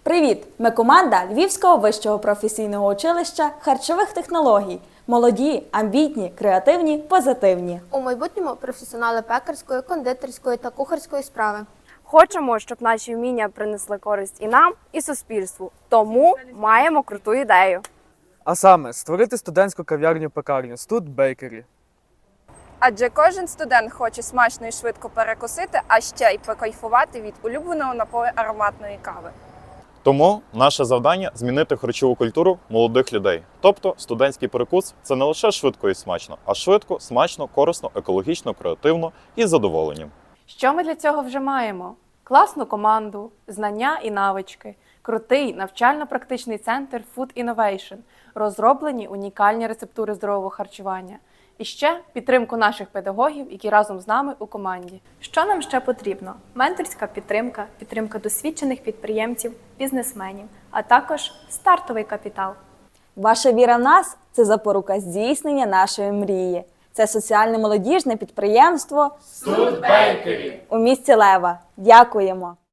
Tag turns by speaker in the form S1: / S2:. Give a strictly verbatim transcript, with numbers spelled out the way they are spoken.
S1: Привіт! Ми команда Львівського вищого професійного училища харчових технологій. Молоді, амбітні, креативні, позитивні.
S2: У майбутньому професіонали пекарської, кондитерської та кухарської справи.
S3: Хочемо, щоб наші вміння принесли користь і нам, і суспільству. Тому маємо круту ідею.
S4: А саме, створити студентську кав'ярню-пекарню Stud Bakery.
S3: Адже кожен студент хоче смачно і швидко перекусити, а ще й покайфувати від улюбленого напою ароматної кави.
S5: Тому наше завдання – змінити харчову культуру молодих людей. Тобто студентський перекус – це не лише швидко і смачно, а швидко, смачно, корисно, екологічно, креативно і з задоволенням.
S6: Що ми для цього вже маємо? Класну команду, знання і навички, крутий навчально-практичний центр Food Innovation, розроблені унікальні рецептури здорового харчування. І ще підтримку наших педагогів, які разом з нами у команді.
S7: Що нам ще потрібно? Менторська підтримка, підтримка досвідчених підприємців, бізнесменів, а також стартовий капітал.
S1: Ваша віра в нас – це запорука здійснення нашої мрії. Це соціальне молодіжне підприємство Stud Bakery у місті Лева. Дякуємо!